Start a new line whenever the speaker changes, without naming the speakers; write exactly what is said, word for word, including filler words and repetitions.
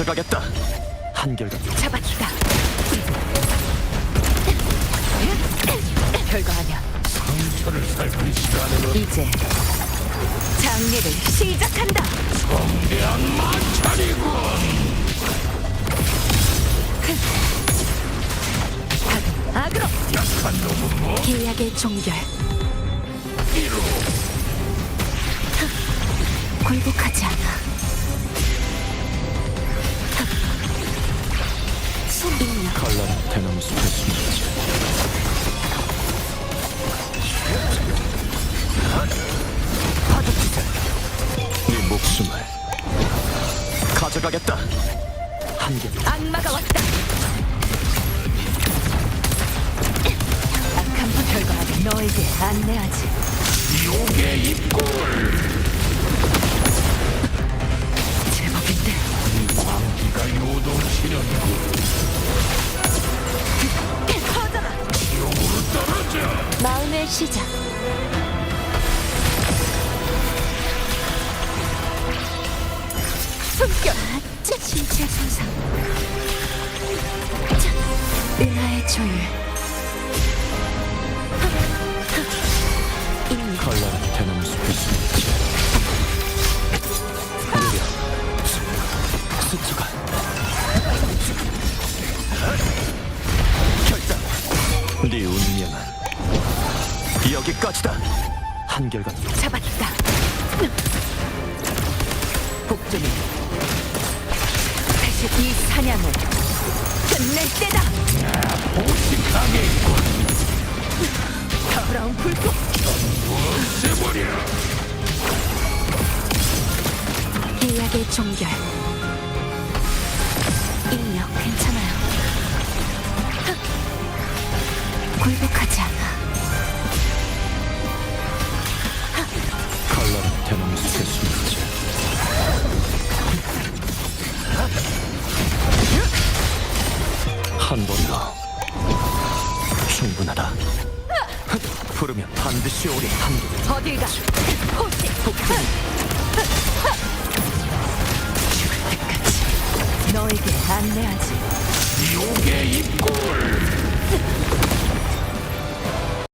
가져가겠다. 한결같이
잡았다. 별거 아니야.
상처를 살필 시간은
이제 장례를 시작한다.
성대한 마찰이군.
악으로
약한 놈은 뭐
계약의 종결.
이루
굴복하지 않아. 인력
칼날 대나무 숲에 숨었지.
거듭지들.
네 목숨을 가져가겠다. 한결
악마가 왔다. 악한 분 별거 아니야. 너에게 안내하지.
욕의 입구
제법인데.
광기가 요동치려고
퍼져라.
지옥으로 떨어져.
마음의 시작. 숨결. 자, 신체 손상. 자, 은하의 조율. 인력
칼날 대나무 숲에 숨었지. 느려 스쳐가 결단. 네 운명은 여기까지다. 한결같
잡았다. 복종이 다시 이 사냥을 끝낼 때다.
보식하겠군.
더러운 불꽃.
없애버려.
계약의 종결. 인력 괜찮아요. 굴복하지 않아.
칼날 대나무 숲에 숨었지. 한 번더 충분하다. 부르면 반드시 오리. 한결
어딜 가? 호시. 죽을 때까지 너에게 안내하지.
욕의 입구